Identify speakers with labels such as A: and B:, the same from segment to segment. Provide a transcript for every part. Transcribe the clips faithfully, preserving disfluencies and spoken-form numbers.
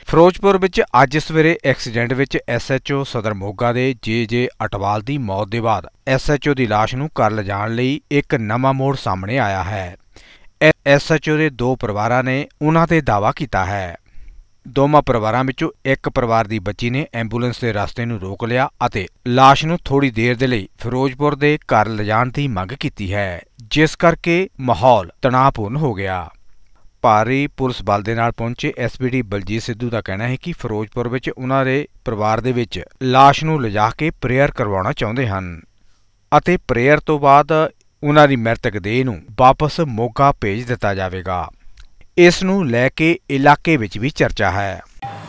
A: ਫਿਰੋਜ਼ਪੁਰ ਵਿੱਚ ਅੱਜ ਸਵੇਰੇ ਐਕਸੀਡੈਂਟ ਵਿੱਚ ਐਸ ਐਚ ਓ ਸਦਰ ਮੋਗਾ ਦੇ ਜੇ ਜੇ ਅਟਵਾਲ ਦੀ ਮੌਤ ਦੇ ਬਾਅਦ ਐਸ ਐਚ ਓ ਦੀ ਲਾਸ਼ ਨੂੰ ਘਰ ਲਿਜਾਣ ਲਈ ਇੱਕ ਨਵਾਂ ਮੋੜ ਸਾਹਮਣੇ ਆਇਆ ਹੈ। ਐਸ ਐਚ ਓ ਦੇ ਦੋ ਪਰਿਵਾਰਾਂ ਨੇ ਉਨ੍ਹਾਂ ਤੇ ਦਾਅਵਾ ਕੀਤਾ ਹੈ। ਦੋਵਾਂ ਪਰਿਵਾਰਾਂ ਵਿੱਚੋਂ ਇੱਕ ਪਰਿਵਾਰ ਦੀ ਬੱਚੀ ਨੇ ਐਂਬੂਲੈਂਸ ਦੇ ਰਸਤੇ ਨੂੰ ਰੋਕ ਲਿਆ ਅਤੇ ਲਾਸ਼ ਨੂੰ ਥੋੜੀ ਦੇਰ ਦੇ ਲਈ ਫਿਰੋਜ਼ਪੁਰ ਦੇ ਘਰ ਲਿਜਾਣ ਦੀ ਮੰਗ ਕੀਤੀ ਹੈ, ਜਿਸ ਕਰਕੇ ਮਾਹੌਲ ਤਣਾਅਪੂਰਨ ਹੋ ਗਿਆ। ਭਾਰੀ ਪੁਲਿਸ ਬਲ ਦੇ ਨਾਲ ਪਹੁੰਚੇ S P D Baljit Sidhu ਦਾ ਕਹਿਣਾ ਹੈ ਕਿ ਫਿਰੋਜ਼ਪੁਰ ਵਿੱਚ ਉਨ੍ਹਾਂ ਦੇ ਪਰਿਵਾਰ ਦੇ ਵਿੱਚ ਲਾਸ਼ ਨੂੰ ਲਿਜਾ ਕੇ ਪ੍ਰੇਅਰ ਕਰਵਾਉਣਾ ਚਾਹੁੰਦੇ ਹਨ ਅਤੇ ਪ੍ਰੇਅਰ ਤੋਂ ਬਾਅਦ ਉਨ੍ਹਾਂ ਦੀ ਮ੍ਰਿਤਕ ਦੇਹ ਨੂੰ ਵਾਪਸ ਮੋਗਾ ਭੇਜ ਦਿੱਤਾ ਜਾਵੇਗਾ। ਇਸ ਨੂੰ ਲੈ ਕੇ ਇਲਾਕੇ ਵਿੱਚ ਵੀ ਚਰਚਾ ਹੈ।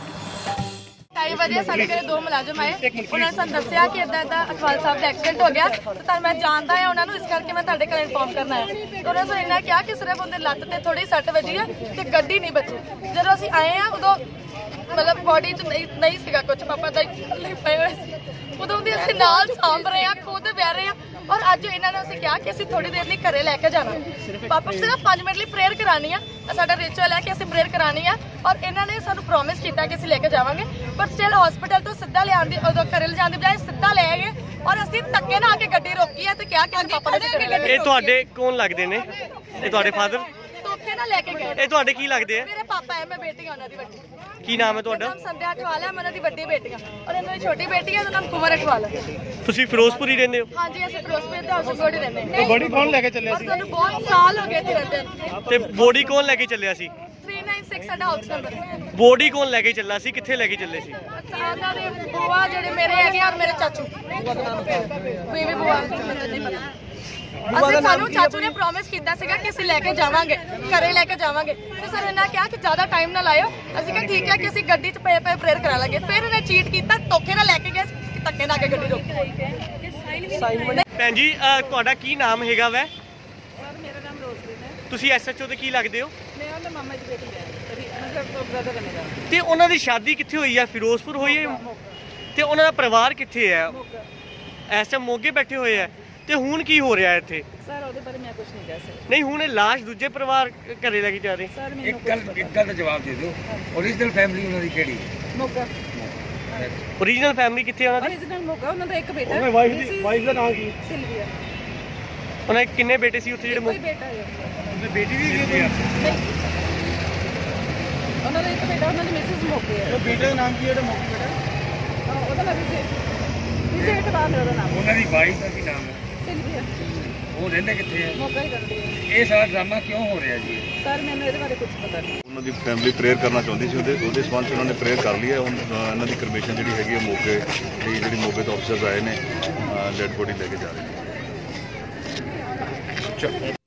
B: ਢਾਈ ਵਜੇ ਸਾਡੇ ਘਰੇ ਦੋ ਮੁਲਾਜ਼ਮ ਆਏ, ਉਹਨਾਂ ਨੇ ਸਾਨੂੰ ਦੱਸਿਆ ਕਿ ਇਦਾਂ ਇਦਾਂ ਅਟਵਾਲ ਸਾਹਿਬ ਦਾ ਐਕਸੀਡੈਂਟ ਹੋ ਗਿਆ ਤੇ ਤਾਂ ਮੈਂ ਜਾਣਦਾ ਹਾਂ ਉਹਨਾਂ ਨੂੰ, ਇਸ ਕਰਕੇ ਮੈਂ ਤੁਹਾਡੇ ਘਰੇ ਇਨਫੋਰਮ ਕਰਨਾ ਹੈ। ਤੇ ਉਹਨਾਂ ਨੇ ਇੰਨਾ ਕਿਹਾ ਕਿ ਸਿਰਫ ਉਹਦੇ ਲੱਤ ਤੇ ਥੋੜੀ ਸੱਟ ਵੱਜੀ ਹੈ ਤੇ ਗੱਡੀ ਨਹੀਂ ਬਚੀ। ਜਦੋਂ ਅਸੀਂ ਆਏ ਆ ਉਦੋਂ ਮਤਲਬ ਬੋਡੀ 'ਚ ਨਹੀਂ ਨਹੀਂ ਸੀਗਾ ਕੁਝ, ਪਾਪਾ ਦਾ ਪਏ ਹੋਏ ਸੀ, ਉਦੋਂ ਦੀ ਅਸੀਂ ਨਾਲ ਸਾਂਭ ਰਹੇ ਆ, ਖੁਦ ਬਹਿ ਰਹੇ ਆ। ਔਰ ਅੱਜ ਇਹਨਾਂ ਨੇ ਅਸੀਂ ਕਿਹਾ ਕਿ ਅਸੀਂ ਥੋੜੀ ਦੇਰ ਲਈ ਘਰੇ ਲੈ ਕੇ ਜਾਣਾ, ਪਾਪਾ ਸਿਰਫ ਪੰਜ ਮਿੰਟ ਲਈ ਪ੍ਰੇਅਰ ਕਰਾਉਣੀ ਆ, ਸਾਡਾ ਰਿਚੁਅਲ ਹੈ ਕਿ ਅਸੀਂ ਪ੍ਰੇਅਰ ਕਰਾਉਣੀ ਆ। ਔਰ ਇਹਨਾਂ ਨੇ ਸਾਨੂੰ ਪ੍ਰੋਮਿਸ ਕੀਤਾ ਕਿ ਅਸੀਂ ਲੈ ਕੇ ਜਾਵਾਂਗੇ, ਪਰ ਸਟਿਲ ਹਸਪੀਟਲ ਤੋਂ ਸਿੱਧਾ ਲਿਆਉਣ ਦੀ ਉਦੋਂ ਘਰੇ ਲਿਜਾਣ ਦੀ ਬਜਾਏ ਸਿੱਧਾ ਲੈ ਗਏ ਔਰ ਅਸੀਂ ਧੱਕੇ ਨਾਲ ਆ ਕੇ ਗੱਡੀ ਰੋਕੀ ਹੈ ਤੇ ਕਿਹਾ ਕਿ ਪਾਪਾ ਨੇ
C: ਇਹ ਤੁਹਾਡੇ ਕੌਣ ਲੱਗਦੇ ਨੇ? ਇਹ ਤੁਹਾਡੇ ਫਾਦਰ
B: ਧੋਖੇ ਨਾਲ ਲੈ ਕੇ ਗਏ।
C: ਇਹ ਤੁਹਾਡੇ ਕੀ ਲੱਗਦੇ ਆ?
B: ਮੇਰੇ ਪਾਪਾ ਹੈ, ਮੈਂ ਬੇਟੀ ਹਾਂ ਉਹਨਾਂ ਦੀ ਵੱਡੀ।
C: ਕੀ ਨਾਮ ਹੈ ਤੁਹਾਡਾ?
B: ਨਾਮ ਸੰਧਿਆ ਅਟਵਾਲ ਹੈ, ਮੈਂ ਉਹਨਾਂ ਦੀ ਵੱਡੀ ਬੇਟੀ ਹਾਂ ਔਰ ਇਹਨਾਂ ਦੀ ਛੋਟੀ ਬੇਟੀ ਹੈ, ਉਹਦਾ ਨਾਮ ਕੁਮਰ ਅਟਵਾਲ ਹੈ।
C: ਤੁਸੀਂ ਫਿਰੋਜ਼ਪੁਰ ਹੀ ਰਹਿੰਦੇ ਹੋ?
B: ਹਾਂਜੀ, ਅਸੀਂ ਫਿਰੋਜ਼ਪੁਰ ਦੇ ਹਾਊਸ ਬੋਰਡ ਰਹਿੰਦੇ ਹਾਂ।
C: ਬੋਡੀ ਕੌਣ ਲੈ ਕੇ ਚੱਲਿਆ ਸੀ?
B: ਸਾਨੂੰ ਬਹੁਤ ਸਾਲ ਹੋ ਗਏ ਇੱਥੇ ਰਹਿੰਦੇ ਨੂੰ।
C: ਤੇ ਬੋਡੀ ਕੌਣ ਲੈ ਕੇ ਚੱਲਿਆ ਸੀ?
B: ਤਿੰਨ ਨੌ ਛੇ ਸਾਡਾ ਹਾਊਸ ਨੰਬਰ ਹੈ।
C: ਬੋਡੀ ਕੌਣ ਲੈ ਕੇ ਚੱਲਾ ਸੀ? ਕਿੱਥੇ ਲੈ ਕੇ ਚੱਲੇ ਸੀ?
B: ਉਹਨਾਂ ਦੇ ਬੁਆ ਜਿਹੜੇ ਮੇਰੇ ਹੈਗੇ ਔਰ ਮੇਰੇ ਚਾਚੂ ਬੀਵੀ ਬੁਆ ਨਹੀਂ ਪਤਾ। ਅਸੀਂ ਸਾਨੂੰ ਚਾਚੂ ਨੇ ਪ੍ਰੋਮਿਸ ਕੀਤਾ ਸੀਗਾ ਕਿ ਅਸੀਂ ਲੈ ਕੇ ਜਾਵਾਂਗੇ, ਘਰੇ ਲੈ ਕੇ ਜਾਵਾਂਗੇ। ਤੇ ਸਰ ਇਹਨਾਂ ਕਿਹਾ ਕਿ ਜ਼ਿਆਦਾ ਟਾਈਮ ਨਾ ਲਾਇਓ। ਅਸੀਂ ਕਿਹਾ ਠੀਕ ਹੈ ਕਿ ਅਸੀਂ ਗੱਡੀ 'ਚ ਪਏ ਪਏ ਪ੍ਰੇਅਰ ਕਰਾ ਲਾਂਗੇ। ਫਿਰ ਇਹਨੇ ਚੀਟ ਕੀਤਾ, ਧੋਖੇ ਨਾਲ ਲੈ ਕੇ ਗਏ, ਧੱਕੇ ਨਾਲ ਕੇ ਗੱਡੀ ਰੋਕੀ।
C: ਭੈਣ ਜੀ ਤੁਹਾਡਾ ਕੀ ਨਾਮ ਹੈਗਾ ਵੈ?
D: ਸਰ ਮੇਰਾ ਨਾਮ ਰੋਜ਼ਲੀਨ ਹੈ।
C: ਤੁਸੀਂ ਐਸ ਐਚ ਓ ਦੇ ਕੀ ਲੱਗਦੇ ਹੋ?
D: ਮੈਂ ਉਹਦੇ ਮਾਮਾ ਜੀ ਬੇਟੀ ਹੈ, ਮਤਲਬ ਬ੍ਰਦਰ ਹੈ ਮੇਰਾ।
C: ਤੇ ਉਹਨਾਂ ਦੀ ਸ਼ਾਦੀ ਕਿੱਥੇ ਹੋਈ ਹੈ? ਫਿਰੋਜ਼ਪੁਰ ਹੋਈ ਹੈ? ਤੇ ਉਹਨਾਂ ਦਾ ਪਰਿਵਾਰ ਕਿੱਥੇ ਹੈ? ਇਸ ਟਾਈਮ ਮੋਗੇ ਬੈਠੇ ਹੋਏ ਹੈ। ਤੇ ਹੁਣ ਕੀ ਹੋ ਰਿਹਾ ਇੱਥੇ?
D: ਸਰ ਉਹਦੇ ਬਾਰੇ ਮੈਂ ਕੁਝ ਨਹੀਂ ਕਹਿ ਸਕਦਾ।
C: ਨਹੀਂ, ਹੁਣ ਇਹ ਲਾਸ਼ ਦੂਜੇ ਪਰਿਵਾਰ ਘਰੇ ਲੈ ਕੇ ਜਾ ਰਹੇ।
D: ਸਰ ਮੈਨੂੰ
E: ਇੱਕ ਗੱਲ ਇੱਕ ਗੱਲ ਦਾ ਜਵਾਬ ਦੇ ਦਿਓ, ਓਰੀਜਨਲ ਫੈਮਿਲੀ ਉਹਨਾਂ ਦੀ ਕਿਹੜੀ?
D: ਮੋਗਾ।
C: ਓਰੀਜਨਲ ਫੈਮਿਲੀ ਕਿੱਥੇ ਉਹਨਾਂ ਦੀ?
D: ਓਰੀਜਨਲ ਮੋਗਾ। ਉਹਨਾਂ ਦਾ ਇੱਕ ਬੇਟਾ ਹੈ।
C: ਉਹਨਾਂ ਵਾਈਫ ਦੀ ਵਾਈਫ ਦਾ ਨਾਮ ਕੀ?
D: ਸਿਲਵੀਆ।
C: ਉਹਨਾਂ ਦੇ ਕਿੰਨੇ ਬੇਟੇ ਸੀ ਉੱਥੇ ਜਿਹੜੇ?
D: ਕੋਈ ਬੇਟਾ ਹੈ।
E: ਉਹਦੀ ਬੇਟੀ ਵੀ ਹੈਗੀ ਹੈ?
D: ਉਹਨਾਂ ਦਾ ਇੱਕ ਬੇਟਾ, ਉਹਨਾਂ ਦੀ ਮਿਸਿਸ ਮੋਗੇ ਹੈ।
E: ਉਹ ਬੇਟੇ ਦਾ ਨਾਮ ਕੀ ਹੈ? ਉਹਦਾ ਮੋਗੇ ਬੇਟਾ
D: ਉਹਦਾ ਨਾਮ ਵਿਜੇ ਵਿਜੇ ਅਟਵਾਲ ਹੈ ਉਹਦਾ ਨਾਮ।
E: ਉਹਨਾਂ ਦੀ ਵਾਈਫ ਦਾ ਕੀ ਨਾਮ ਹੈ?
D: ਸਿਲਵੀਆ।
E: ਉਹ ਰਹਿੰਦੇ ਕਿੱਥੇ ਹੈ?
D: ਮੋਗਾ ਹੀ ਰਹਿੰਦੇ ਹੈ।
E: ਇਹ ਸਾਰਾ ਡਰਾਮਾ ਕਿਉਂ ਹੋ ਰਿਹਾ ਜੀ?
D: ਸਰ ਮੈਨੂੰ ਇਹਦੇ ਬਾਰੇ ਕੁਝ ਪਤਾ ਨਹੀਂ।
F: ਉਹਨਾਂ ਦੀ ਫੈਮਿਲੀ ਪ੍ਰੇਅਰ ਕਰਨਾ ਚਾਹੁੰਦੀ ਸੀ, ਉਹਦੇ ਉਹਦੇ ਸੰਬੰਧ 'ਚ ਉਹਨਾਂ ਨੇ ਪ੍ਰੇਅਰ ਕਰ ਲਈ ਹੈ। ਹੁਣ ਇਹਨਾਂ ਦੀ ਕਰਮੇਸ਼ਨ ਜਿਹੜੀ ਹੈਗੀ ਹੈ ਮੋਗੇ ਦੀ, ਜਿਹੜੀ ਮੋਗੇ ਤੋਂ ਅਫਸਰਸ ਆਏ ਨੇ, ਡੈਡ ਬੋਡੀ ਲੈ ਕੇ ਜਾ ਰਹੇ ਨੇ।